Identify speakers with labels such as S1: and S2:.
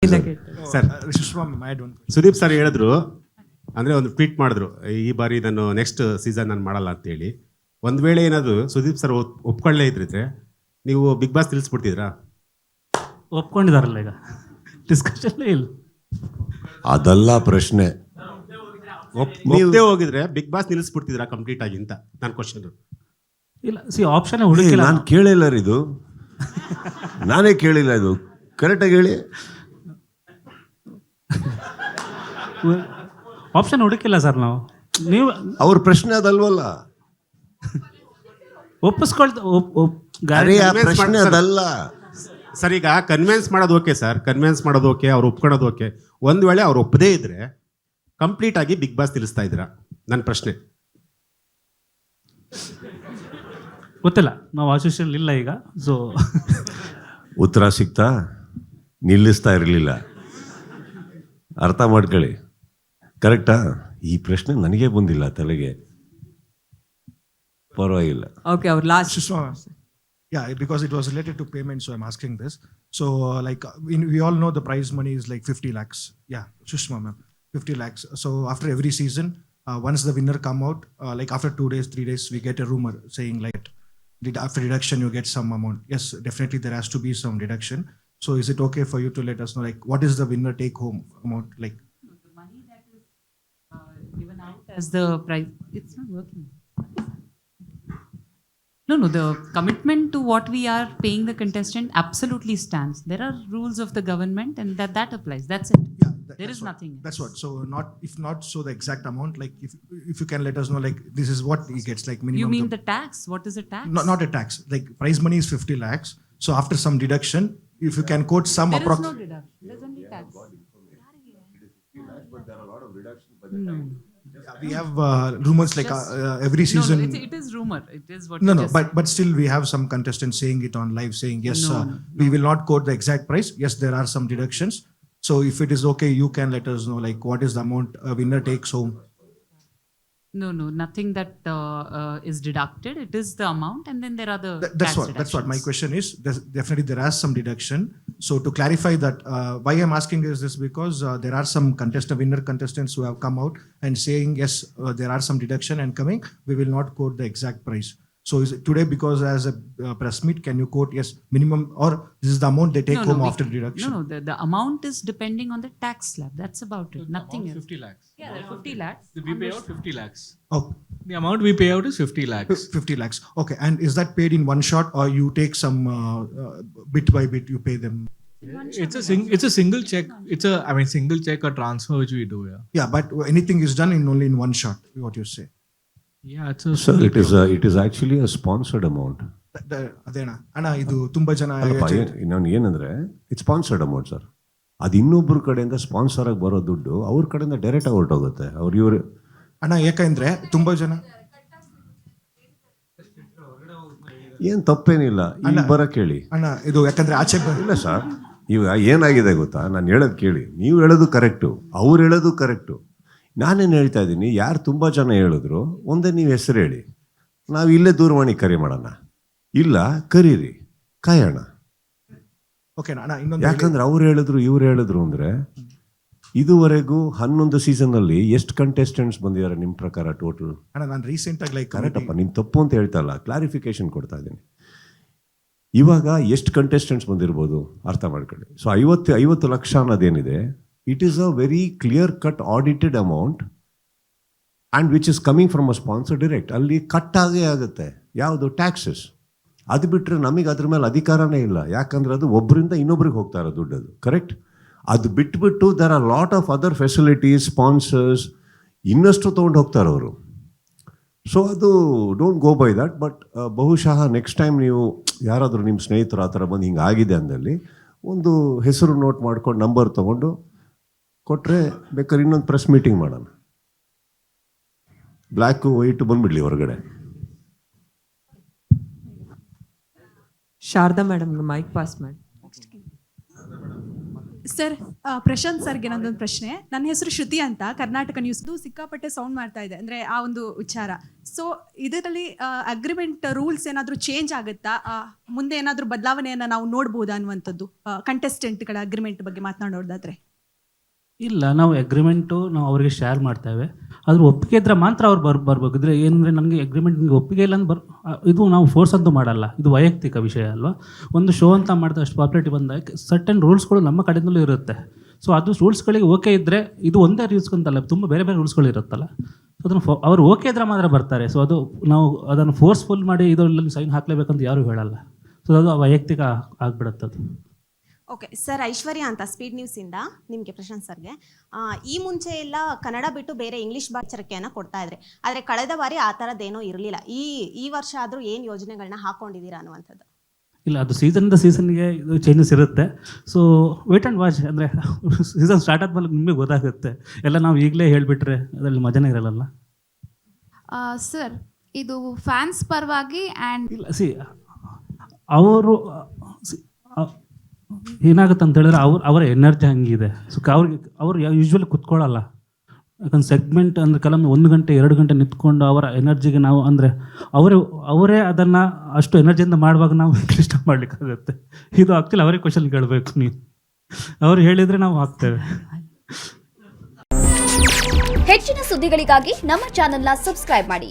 S1: Sir Sudeep sir ಹೇಳಿದ್ರು ಅಂದರೆ ಒಂದು ಟ್ವೀಟ್ ಮಾಡಿದ್ರು, ಈ ಬಾರಿ ನಾನು ನೆಕ್ಸ್ಟ್ ಸೀಸನ್ ನಾನು ಮಾಡಲ್ಲ ಅಂತೇಳಿ. ಒಂದು ವೇಳೆ ಏನಾದರೂ ಸುದೀಪ್ ಸರ್ ಒಪ್ಕೊಳ್ಳೇ ಇದ್ರಿದ್ರೆ ನೀವು ಬಿಗ್ ಬಾಸ್ ನಿಲ್ಲಿಸ್ಬಿಡ್ತಿದ್ರಾ?
S2: ಒಪ್ಕೊಂಡಿದಾರಲ್ಲ ಈಗ, ಡಿಸ್ಕಷನ್ ಇಲ್ಲ.
S3: ಅದಲ್ಲ ಪ್ರಶ್ನೆ.
S1: ಒಪ್ಪದೇ ಹೋಗಿದ್ರೆ ಬಿಗ್ ಬಾಸ್ ನಿಲ್ಲಿಸ್ಬಿಡ್ತಿದ್ರಾ ಕಂಪ್ಲೀಟ್ ಆಗಿ ಅಂತ ನನ್ನ ಕ್ವಶನ್.
S2: ಇಲ್ಲ, ಆಪ್ಷನ್ ಹುಡುಕಿಲ್ಲ.
S3: ನಾನು ಕೇಳಿಲ್ಲ ಇದು, ನಾನೇ ಕೇಳಿಲ್ಲ ಇದು. ಕರೆಕ್ಟಾಗಿ ಹೇಳಿ.
S2: ಆಪ್ಷನ್ ಹುಡುಕಿಲ್ಲ ಸರ್ ನಾವು. ನೀವು
S3: ಅವ್ರ ಪ್ರಶ್ನೆ ಅದಲ್ವಲ್ಲ. ಪ್ರಶ್ನೆ ಅದಲ್ಲ
S1: ಸರ್. ಈಗ ಕನ್ವಿನ್ಸ್ ಮಾಡೋದು ಓಕೆ ಸರ್, ಕನ್ವಿನ್ಸ್ ಮಾಡೋದು ಓಕೆ, ಅವ್ರು ಒಪ್ಕೊಳ್ಳೋದು ಓಕೆ. ಒಂದು ವೇಳೆ ಅವ್ರು ಒಪ್ಪದೇ ಇದ್ರೆ ಕಂಪ್ಲೀಟ್ ಆಗಿ ಬಿಗ್ ಬಾಸ್ ನಿಲ್ಲಿಸ್ತಾ ಇದ್ದೀರಾ? ನನ್ನ ಪ್ರಶ್ನೆ.
S2: ಗೊತ್ತಿಲ್ಲ, ನಾವು ಅಸೋಸಿಯೇಷನ್ ಇಲ್ಲ ಈಗ. ಸೊ
S3: ಉತ್ತರ ಸಿಗ್ತಾ ನಿಲ್ಲಿಸ್ತಾ ಇರಲಿಲ್ಲ. ಅರ್ಥ ಮಾಡ್ಕೊಳ್ಳಿ. ಕರೆಕ್ಟಾ? ಈ ಪ್ರಶ್ನೆ ನನಗೆ ಬಂದಿಲ್ಲ ತಲೆಗೆ. ಪರವಾಗಿಲ್ಲ.
S4: Okay, our last.
S5: Yeah, because it was related to payment, so I'm asking this. So, like, we all know the prize money is like 50 lakhs. Yeah, Shushma ma'am, 50 lakhs. So, after every season, once the winner come out, like after 2 days, 3 days, we get a rumor saying like, after deduction, you get some amount. Yes, definitely there has to be some deduction. So, is it okay for you to let us know, like, what is the winner take home amount? Like,
S4: The money that is given out as the prize, it's not working. No, the commitment to what we are paying the contestant absolutely stands. There are rules of the government and that applies. That's it.
S5: yeah,
S4: There is nothing else.
S5: That's what. So, if not, so the exact amount, like, if you can let us know, like, this is what he gets, like minimum.
S4: You mean the tax? What is the tax?
S5: Not a tax. Like, prize money is 50 lakhs. So, after some deduction, if you can quote some
S4: There is no deduction. There's only tax. No.
S5: We have rumors like every season.
S4: No, it is rumor. It is what.
S5: No,
S4: you
S5: no,
S4: just said.
S5: but still we have some contestants saying it on live, saying yes,
S4: No,
S5: we will not quote the exact price. Yes, there are some deductions. So if it is okay, you can let us know, like, what is the amount a winner takes home.
S4: No, nothing that is deducted. It is the amount, and then there are the
S5: That's
S4: tax
S5: what. That's what my
S4: deductions.
S5: question is. Definitely there is some deduction. So to clarify that, why I'm asking is this because there are some winner contestants who have come out and saying yes, there are some deduction and coming. We will not quote the exact price. So is it today because as a press meet, can you quote yes minimum, or this is the amount they take
S4: No,
S5: home
S4: we
S5: after
S4: can-
S5: deduction?
S4: No, the amount is depending on the tax slab. That's about it. Nothing else.
S6: 50 lakhs.
S4: Yeah, there are 50 lakhs.
S6: We pay out 50 lakhs.
S5: Oh,
S6: The amount we pay out is 50 lakhs.
S5: 50 lakhs. Okay, and is that paid in one shot, or you take some bit by bit you pay them?
S6: It's a single check. Single check or transfer which we do. Yeah.
S5: Yeah, but anything is done only in one shot. What you say?
S6: Yeah, it's a.
S3: Sir, it is actually a sponsored amount.
S5: ಅದೇನಾ ಅಣ್ಣ, ಇದು ತುಂಬಾ ಜನ
S3: ನಾನು ಏನಂದ್ರೆ it's sponsored amount sir. ಅದು ಇನ್ನೊಬ್ಬರ ಕಡೆಯಿಂದ sponsor ಆಗಿ ಬರೋ ದುಡ್ಡು ಅವ್ರ ಕಡೆಯಿಂದ ಡೈರೆಕ್ಟ್ ಆಗಿ ಹೊರಟೋಗುತ್ತೆ. ಇವರು
S5: ಅಣ್ಣ, ಯಾಕಂದ್ರೆ ತುಂಬಾ ಜನ
S3: ಏನ್ ತಪ್ಪೇನಿಲ್ಲ. ಇಲ್ಲಿ ಬರಕ್ ಹೇಳಿ
S5: ಅಣ್ಣ, ಇದು ಯಾಕಂದ್ರೆ ಆಚೆ
S3: ಇಲ್ಲ ಸರ್. ಇವಾಗ ಏನಾಗಿದೆ ಗೊತ್ತಾ, ನಾನು ಹೇಳೋದು ಕೇಳಿ. ನೀವು ಹೇಳೋದು ಕರೆಕ್ಟು, ಅವ್ರು ಹೇಳೋದು ಕರೆಕ್ಟು. ನಾನೇನು ಹೇಳ್ತಾ ಇದ್ದೀನಿ, ಯಾರು ತುಂಬ ಜನ ಹೇಳಿದ್ರು ಒಂದೇ ನೀವು ಹೆಸರು ಹೇಳಿ, ನಾವು ಇಲ್ಲೇ ದೂರವಾಣಿ ಕರೆ ಮಾಡೋಣ. ಇಲ್ಲ ಕರೀರಿ, ಕಾಯೋಣ.
S5: ಓಕೆ ಅಣ್ಣ, ಇನ್ನೊಂದು
S3: ಯಾಕಂದ್ರೆ ಅವ್ರು ಹೇಳಿದ್ರು ಇವ್ರು ಹೇಳಿದ್ರು ಅಂದರೆ ಇದುವರೆಗೂ 11 ಸೀಸನ್ನಲ್ಲಿ ಎಷ್ಟು ಕಂಟೆಸ್ಟೆಂಟ್ಸ್ ಬಂದಿದ್ದಾರೆ ನಿಮ್ಮ ಪ್ರಕಾರ ಟೋಟಲ್?
S5: ಅಣ್ಣ, ನಾನು ರೀಸೆಂಟ್ ಆಗಿ ಲೈಕ್
S3: ಕರೆಕ್ಟಪ್ಪ, ನಿಮ್ಮ ತಪ್ಪು ಅಂತ ಹೇಳ್ತಾ ಇಲ್ಲ, ಕ್ಲಾರಿಫಿಕೇಶನ್ ಕೊಡ್ತಾ ಇದ್ದೀನಿ. ಇವಾಗ ಎಷ್ಟು ಕಂಟೆಸ್ಟೆಂಟ್ಸ್ ಬಂದಿರ್ಬೋದು ಅರ್ಥ ಮಾಡ್ಕೊಳ್ಳಿ. ಸೊ 50 ಲಕ್ಷ ಅನ್ನೋದೇನಿದೆ, it is a very clear cut audited amount and which is coming from a sponsor direct. ಅಲ್ಲಿ ಕಟ್ ಆಗೇ ಆಗುತ್ತೆ. ಯಾವುದು? ಟ್ಯಾಕ್ಸಸ್. ಅದು ಬಿಟ್ಟರೆ ನಮಗೆ ಅದ್ರ ಮೇಲೆ ಅಧಿಕಾರನೇ ಇಲ್ಲ. ಯಾಕಂದ್ರೆ ಅದು ಒಬ್ಬರಿಂದ ಇನ್ನೊಬ್ರಿಗೆ ಹೋಗ್ತಾ ಇರೋ ದುಡ್ಡು ಅದು. ಕರೆಕ್ಟ್? ಅದು ಬಿಟ್ಬಿಟ್ಟು there are lot of other facilities, sponsors ಇನ್ನಷ್ಟು ತೊಗೊಂಡು ಹೋಗ್ತಾರೆ ಅವರು. ಸೊ ಅದು don't go by that. But ಬಹುಶಃ ನೆಕ್ಸ್ಟ್ ಟೈಮ್ ನೀವು ಯಾರಾದರೂ ನಿಮ್ಮ ಸ್ನೇಹಿತರು ಆ ಥರ ಬಂದು ಹಿಂಗೆ ಆಗಿದೆ ಅಂದಲ್ಲಿ ಒಂದು ಹೆಸರು ನೋಟ್ ಮಾಡ್ಕೊಂಡು ನಂಬರ್ ತೊಗೊಂಡು ಕೊಟ್ಟರೆ ಬೇಕಾದ್ರೆ ಇನ್ನೊಂದು ಪ್ರೆಸ್ ಮೀಟಿಂಗ್ ಮಾಡೋಣ. ಬ್ಲ್ಯಾಕು ವೈಟು ಬಂದ್ಬಿಡ್ಲಿ ಹೊರಗಡೆ.
S4: ಶಾರದಾ ಮೇಡಮ್ಗೆ ಮೈಕ್ ಪಾಸ್ ಮಾಡಿ.
S7: ಸರ್ ಪ್ರಶಾಂತ್ ಸರ್ಗೆ ನನ್ನೊಂದು ಪ್ರಶ್ನೆ. ನನ್ನ ಹೆಸರು ಶ್ರುತಿ ಅಂತ, ಕರ್ನಾಟಕ ನ್ಯೂಸ್ದು ಸಿಕ್ಕಾಪಟ್ಟೆ ಸೌಂಡ್ ಮಾಡ್ತಾ ಇದೆ, ಅಂದರೆ ಆ ಒಂದು ವಿಚಾರ. ಸೊ ಇದರಲ್ಲಿ ಅಗ್ರಿಮೆಂಟ್ ರೂಲ್ಸ್ ಏನಾದರೂ ಚೇಂಜ್ ಆಗುತ್ತಾ, ಮುಂದೆ ಏನಾದರೂ ಬದಲಾವಣೆಯನ್ನು ನಾವು ನೋಡ್ಬೋದಾ ಅನ್ನುವಂಥದ್ದು, ಕಂಟೆಸ್ಟೆಂಟ್ಗಳ ಅಗ್ರಿಮೆಂಟ್ ಬಗ್ಗೆ ಮಾತನಾಡೋದಾದ್ರೆ?
S2: ಇಲ್ಲ, ನಾವು ಅಗ್ರಿಮೆಂಟು ನಾವು ಅವರಿಗೆ ಶೇರ್ ಮಾಡ್ತೇವೆ. ಅದ್ರ ಒಪ್ಪಿಗೆ ಇದ್ರೆ ಮಾತ್ರ ಅವ್ರು ಬರ್ಬೇಕು. ಇದ್ರೆ ಏನಂದರೆ ನನಗೆ ಅಗ್ರಿಮೆಂಟ್ ನಿಮಗೆ ಒಪ್ಪಿಗೆ ಇಲ್ಲ ಅಂತ ಇದು ನಾವು ಫೋರ್ಸ್ ಅಂತೂ ಮಾಡಲ್ಲ, ಇದು ವೈಯಕ್ತಿಕ ವಿಷಯ ಅಲ್ವಾ. ಒಂದು ಶೋ ಅಂತ ಮಾಡಿದ್ರೆ ಅಷ್ಟು ಪಾಪ್ಯುಲಾರಿಟಿ ಬಂದಾಗ ಸರ್ಟನ್ ರೂಲ್ಸ್ಗಳು ನಮ್ಮ ಕಡೆಯಿಂದಲೂ ಇರುತ್ತೆ. ಸೊ ಅದು ರೂಲ್ಸ್ಗಳಿಗೆ ಓಕೆ ಇದ್ದರೆ, ಇದು ಒಂದೇ ರೂಲ್ಸ್ ಅಂತಲ್ಲ, ತುಂಬ ಬೇರೆ ಬೇರೆ ರೂಲ್ಸ್ಗಳು ಇರುತ್ತಲ್ಲ. ಸೊ ಅದನ್ನು ಅವ್ರು ಓಕೆ ಇದ್ರೆ ಮಾತ್ರ ಬರ್ತಾರೆ. ಸೊ ಅದು ನಾವು ಅದನ್ನು ಫೋರ್ಸ್ಫುಲ್ ಮಾಡಿ ಇದರಲ್ಲಿ ಸೈನ್ ಹಾಕಲೇಬೇಕಂತ ಯಾರೂ ಹೇಳಲ್ಲ. ಸೊ ಅದು ವೈಯಕ್ತಿಕ ಆಗಿಬಿಡುತ್ತೆ ಅದು.
S8: ಓಕೆ ಸರ್, ಐಶ್ವರ್ಯ ಅಂತ ಸ್ಪೀಡ್ ನ್ಯೂಸಿಂದ ನಿಮಗೆ ಪ್ರಶಾಂತ್ ಸರ್ಗೆ. ಈ ಮುಂಚೆ ಎಲ್ಲ ಕನ್ನಡ ಬಿಟ್ಟು ಬೇರೆ ಇಂಗ್ಲೀಷ್ ಎಚ್ಚರಿಕೆಯನ್ನು ಕೊಡ್ತಾ ಇದ್ರಿ, ಆದರೆ ಕಳೆದ ಬಾರಿ ಆ ಥರದ್ದೇನೂ ಇರಲಿಲ್ಲ. ಈ ವರ್ಷ ಆದರೂ ಏನು ಯೋಜನೆಗಳನ್ನ ಹಾಕ್ಕೊಂಡಿದ್ದೀರಾ ಅನ್ನುವಂಥದ್ದು?
S2: ಇಲ್ಲ, ಅದು ಸೀಸನ್ನಿಂದ ಸೀಸನ್ಗೆ ಇದು ಚೇಂಜಸ್ ಇರುತ್ತೆ. ಸೊ ವೇಟ್ ಆ್ಯಂಡ್ ವಾಚ್, ಅಂದರೆ ಸೀಸನ್ ಸ್ಟಾರ್ಟ್ ಆದ್ಮೇಲೆ ನಿಮಗೆ ಗೊತ್ತಾಗುತ್ತೆ. ಎಲ್ಲ ನಾವು ಈಗಲೇ ಹೇಳಿಬಿಟ್ರೆ ಅದರಲ್ಲಿ ಮಜಾನೇ ಇರಲ್ಲ.
S9: ಸರ್, ಇದು ಫ್ಯಾನ್ಸ್ ಪರವಾಗಿ ಆ್ಯಂಡ್
S2: ಇಲ್ಲ, ಅವರು ಏನಾಗುತ್ತೆ ಅಂತ ಹೇಳಿದ್ರೆ ಅವರ ಎನರ್ಜಿ ಹಂಗಿದೆ. ಸೊ ಅವ್ರು ಯೂಶ್ವಲಿ ಕುತ್ಕೊಳ್ಳಲ್ಲ. ಯಾಕಂದ್ರೆ ಸೆಗ್ಮೆಂಟ್ ಅಂದರೆ ಕೆಲವೊಮ್ಮೆ 1 ಗಂಟೆ 2 ಗಂಟೆ ನಿಂತ್ಕೊಂಡು ಅವರ ಎನರ್ಜಿಗೆ ನಾವು ಅಂದರೆ ಅವರೇ ಅದನ್ನು ಅಷ್ಟು ಎನರ್ಜಿಯಿಂದ ಮಾಡುವಾಗ ನಾವು ಇಷ್ಟ ಮಾಡಲಿಕ್ಕಾಗುತ್ತೆ. ಇದು ಆಗ್ತಿಲ್ಲ, ಅವರೇ ಕ್ವಶನ್ ಕೇಳಬೇಕು ನೀವು. ಅವ್ರು ಹೇಳಿದರೆ ನಾವು ಹಾಕ್ತೇವೆ.
S10: ಹೆಚ್ಚಿನ ಸುದ್ದಿಗಳಿಗಾಗಿ ನಮ್ಮ ಚಾನೆಲ್ನ ಸಬ್ಸ್ಕ್ರೈಬ್ ಮಾಡಿ.